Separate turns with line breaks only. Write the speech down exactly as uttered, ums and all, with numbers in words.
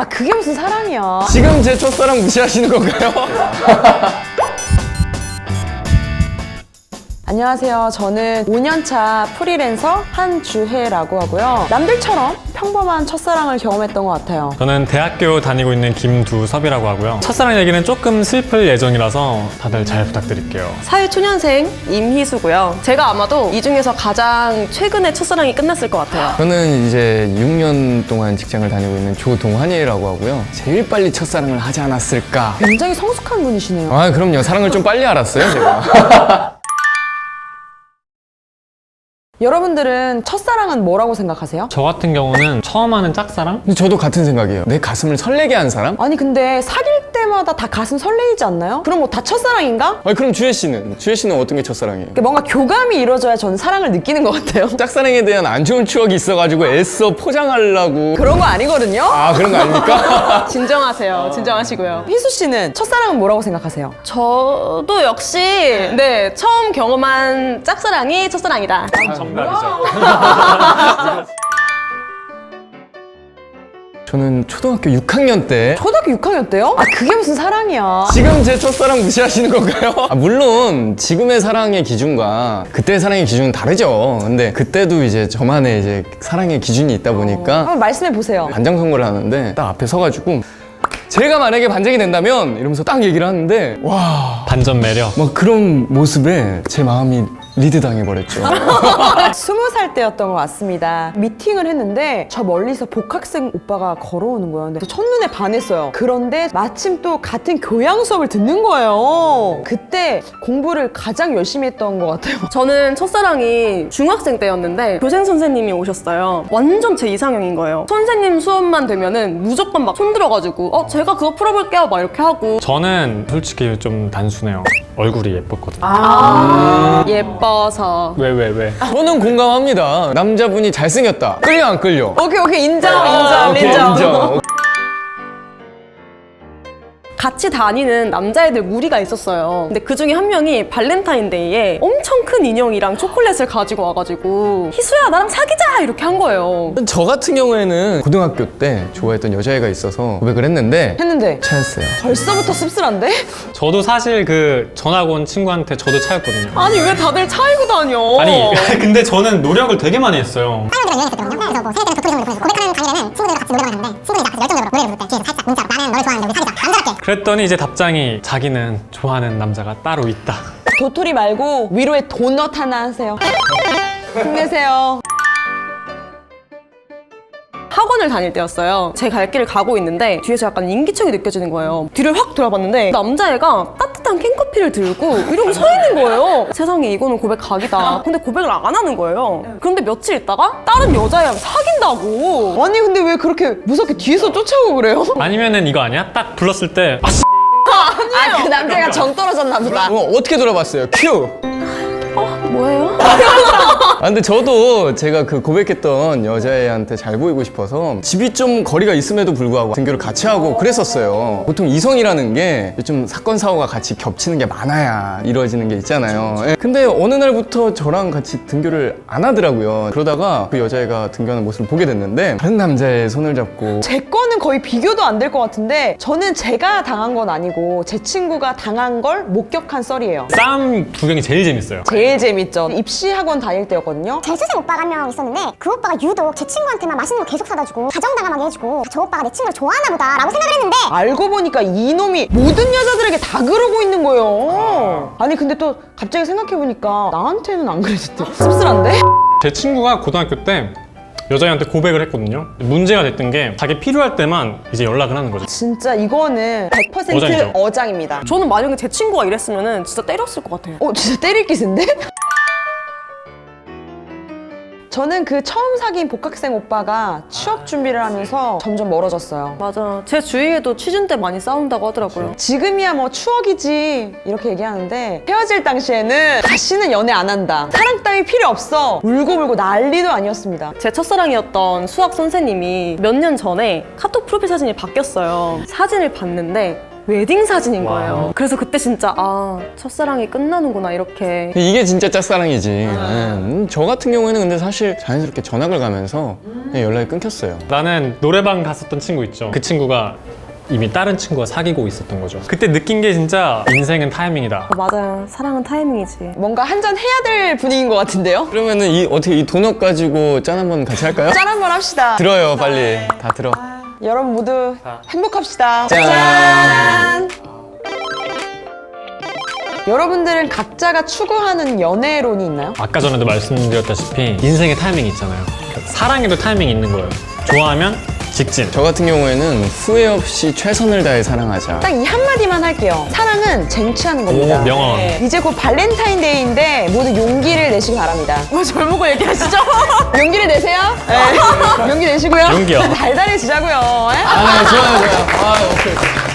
아 그게 무슨 사랑이야.
지금 제 첫사랑 무시하시는 건가요?
안녕하세요. 저는 오 년차 프리랜서 한주혜라고 하고요. 남들처럼 평범한 첫사랑을 경험했던 것 같아요.
저는 대학교 다니고 있는 김두섭이라고 하고요. 첫사랑 얘기는 조금 슬플 예정이라서 다들 잘 부탁드릴게요.
사회초년생 임희수고요. 제가 아마도 이 중에서 가장 최근에 첫사랑이 끝났을 것 같아요.
저는 이제 육 년 동안 직장을 다니고 있는 조동환이라고 하고요. 제일 빨리 첫사랑을 하지 않았을까?
굉장히 성숙한 분이시네요.
아, 그럼요. 사랑을 좀 빨리 알았어요, 제가.
여러분들은 첫사랑은 뭐라고 생각하세요?
저 같은 경우는 처음 하는 짝사랑?
근데 저도 같은 생각이에요. 내 가슴을 설레게 한 사람?
아니 근데 사귈 때마다 다 가슴 설레이지 않나요? 그럼 뭐 다 첫사랑인가?
아니, 그럼 주혜 씨는? 주혜 씨는 어떤 게 첫사랑이에요?
뭔가 교감이 이루어져야 저는 사랑을 느끼는 것 같아요.
짝사랑에 대한 안 좋은 추억이 있어가지고 애써 포장하려고.
그런 거 아니거든요?
아, 그런 거 아닙니까?
진정하세요. 진정하시고요.
희수 씨는 첫사랑은 뭐라고 생각하세요?
저도 역시 네 처음 경험한 짝사랑이 첫사랑이다.
정답이죠.
저는 초등학교 육 학년 때
초등학교 육 학년 때요? 아 그게 무슨 사랑이야.
지금 제 첫사랑 무시하시는 건가요? 아, 물론 지금의 사랑의 기준과 그때의 사랑의 기준은 다르죠. 근데 그때도 이제 저만의 이제 사랑의 기준이 있다 보니까
한번 말씀해 보세요.
반장 선거를 하는데 딱 앞에 서가지고 제가 만약에 반장이 된다면 이러면서 딱 얘기를 하는데 와,
반전 매력.
막 그런 모습에 제 마음이 리드 당해버렸죠.
스무 살 때였던 것 같습니다. 미팅을 했는데 저 멀리서 복학생 오빠가 걸어오는 거예요. 근데 첫눈에 반했어요. 그런데 마침 또 같은 교양 수업을 듣는 거예요. 그때 공부를 가장 열심히 했던 것 같아요.
저는 첫사랑이 중학생 때였는데 교생 선생님이 오셨어요. 완전 제 이상형인 거예요. 선생님 수업만 되면은 무조건 막 손들어가지고 어 제가 그거 풀어볼게요 막 이렇게 하고.
저는 솔직히 좀 단순해요. 얼굴이 예뻤거든요.
아 예뻐서.
왜, 왜, 왜?
저는 공감합니다. 남자분이 잘생겼다. 끌려 안 끌려?
오케이 오케이 인정
아,
인정
오케이,
인정.
인정.
같이 다니는 남자애들 무리가 있었어요. 근데 그 중에 한 명이 발렌타인데이에 엄청 큰 인형이랑 초콜릿을 가지고 와가지고 희수야 나랑 사귀자 이렇게 한 거예요.
저 같은 경우에는 고등학교 때 좋아했던 여자애가 있어서 고백을 했는데
했는데
차였어요.
벌써부터 씁쓸한데?
저도 사실 그 전학 온 친구한테 저도 차였거든요.
아니 왜 다들 차이고 다녀?
아니, 근데 저는 노력을 되게 많이 했어요.
친구들이랑 유행했었거든요. 그래서 뭐 세대 때는 도토리 선물을 보내고 고백하는 강의에는 친구들과 같이 노래방 갔는데 친구들이 나한테 열정적으로 노래를 부를 때 뒤에서 살짝 문자로 나는 너를 좋아하는데 우리 사귀자. 남자답게.
그랬더니 이제 답장이 자기는 좋아하는 남자가 따로 있다.
도토리 말고 위로에 도넛 하나 하세요. 힘내세요.
학원을 다닐 때였어요. 제 갈 길을 가고 있는데 뒤에서 약간 인기척이 느껴지는 거예요. 뒤를 확 돌아봤는데 남자애가 따뜻한 캔커피를 들고 이러고 서 있는 거예요. 세상에 이거는 고백 각이다. 근데 고백을 안 하는 거예요. 그런데 며칠 있다가 다른 여자애랑 사귄다고.
아니 근데 왜 그렇게 무섭게 뒤에서 쫓아오고 그래요?
아니면은 이거 아니야? 딱 불렀을 때 아, 씨.
아 그 남자가 정 떨어졌나 보다.
어, 어떻게 돌아봤어요? 큐!
뭐예요?
아, 근데 저도 제가 그 고백했던 여자애한테 잘 보이고 싶어서 집이 좀 거리가 있음에도 불구하고 등교를 같이 하고 그랬었어요. 보통 이성이라는 게 좀 사건, 사고가 같이 겹치는 게 많아야 이루어지는 게 있잖아요. 예. 근데 어느 날부터 저랑 같이 등교를 안 하더라고요. 그러다가 그 여자애가 등교하는 모습을 보게 됐는데 다른 남자의 손을 잡고
제 거는 거의 비교도 안 될 것 같은데 저는 제가 당한 건 아니고 제 친구가 당한 걸 목격한 썰이에요.
싸움 구경이 제일 재밌어요.
제일 재밌죠. 입시학원 다닐 때였거든요.
재수생 오빠가 한 명 있었는데 그 오빠가 유독 제 친구한테만 맛있는 거 계속 사다 주고 다정다감하게 해주고 저 오빠가 내 친구를 좋아하나 보다 라고 생각을 했는데
알고 보니까 이놈이 모든 여자들에게 다 그러고 있는 거예요. 아니 근데 또 갑자기 생각해보니까 나한테는 안 그랬을 때 씁쓸한데?
제 친구가 고등학교 때 여자애한테 고백을 했거든요. 문제가 됐던 게 자기 필요할 때만 이제 연락을 하는 거죠.
진짜 이거는 백 퍼센트
어장이죠.
어장입니다.
저는 만약에 제 친구가 이랬으면 진짜 때렸을 것 같아요.
어 진짜 때릴 기세인데? 저는 그 처음 사귄 복학생 오빠가 취업 준비를 하면서 점점 멀어졌어요.
맞아. 제 주위에도 취준 때 많이 싸운다고 하더라고요.
지금이야 뭐 추억이지 이렇게 얘기하는데 헤어질 당시에는 다시는 연애 안 한다. 사랑 따위 필요 없어. 울고불고 난리도 아니었습니다.
제 첫사랑이었던 수학 선생님이 몇 년 전에 카톡 프로필 사진이 바뀌었어요. 사진을 봤는데 웨딩 사진인 거예요. 그래서 그때 진짜 아 첫사랑이 끝나는구나 이렇게.
이게 진짜 짝사랑이지. 네. 음, 저 같은 경우에는 근데 사실 자연스럽게 전학을 가면서 그냥 연락이 끊겼어요.
나는 노래방 갔었던 친구 있죠. 그 친구가 이미 다른 친구가 사귀고 있었던 거죠. 그때 느낀 게 진짜 인생은 타이밍이다.
어, 맞아요. 사랑은 타이밍이지.
뭔가 한 잔 해야 될 분위기인 것 같은데요?
그러면은 이 어떻게 이 도넛 가지고 짠 한번 같이 할까요?
짠 한번 합시다.
들어요, 빨리. 다 들어.
여러분 모두 행복합시다.
짠.
짠! 여러분들은 각자가 추구하는 연애론이 있나요?
아까 전에도 말씀드렸다시피 인생의 타이밍이 있잖아요. 사랑에도 타이밍이 있는 거예요. 좋아하면 직진.
저 같은 경우에는 후회 없이 최선을 다해 사랑하자.
딱 이 한마디만 할게요. 사랑은 쟁취하는 겁니다.
오, 명언.
네. 이제 곧 발렌타인데이인데 모두 용기를 내시기 바랍니다. 뭐 젊은 거 얘기하시죠? 용기를 내세요. 네. 용기 내시고요.
용기요.
달달해지자고요. 네?
아, 네, 좋아요, 좋아요. 아, 오케이.